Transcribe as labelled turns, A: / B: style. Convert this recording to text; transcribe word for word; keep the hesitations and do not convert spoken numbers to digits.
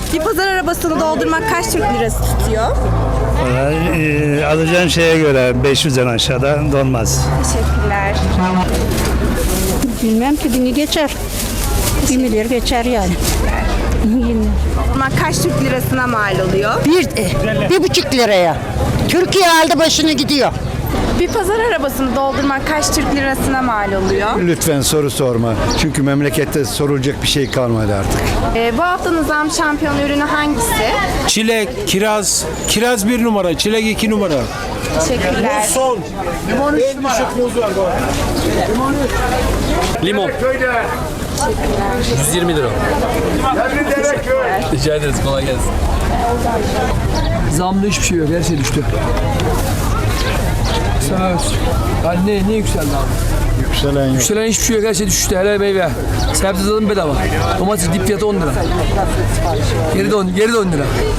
A: Bir pazar arabasını doldurmak kaç Türk lirası tutuyor?
B: Ee, alacağın şeye göre beş yüzden aşağıda dolmaz.
A: Teşekkürler.
C: Bilmem ki bini geçer. Bir milyar geçer yani.
A: Doldurmak kaç Türk lirasına mal oluyor?
C: Bir, bir buçuk liraya. Türkiye aldı başını gidiyor.
A: Bir pazar arabasını doldurmak kaç Türk lirasına mal oluyor?
D: Lütfen soru sorma. Çünkü memlekette sorulacak bir şey kalmadı artık.
A: Ee, bu haftanın zam şampiyon ürünü hangisi?
E: Çilek, kiraz, kiraz bir numara, çilek iki numara.
A: Teşekkürler.
E: Son. Limon üç numara.
F: Limon. yüz yirmi lira. Rica ederiz, kolay gelsin.
G: Zamda hiçbir şey yok, her şey düştü. Söz. Yani ne, ne yükseldi abi?
D: Yükselen yok.
G: Yükselen hiçbir şey yok, her şey düştü. Helal meyve. Sebze zaten bedava. Domates dip fiyatı on lira. Geri de on, geri de on lira.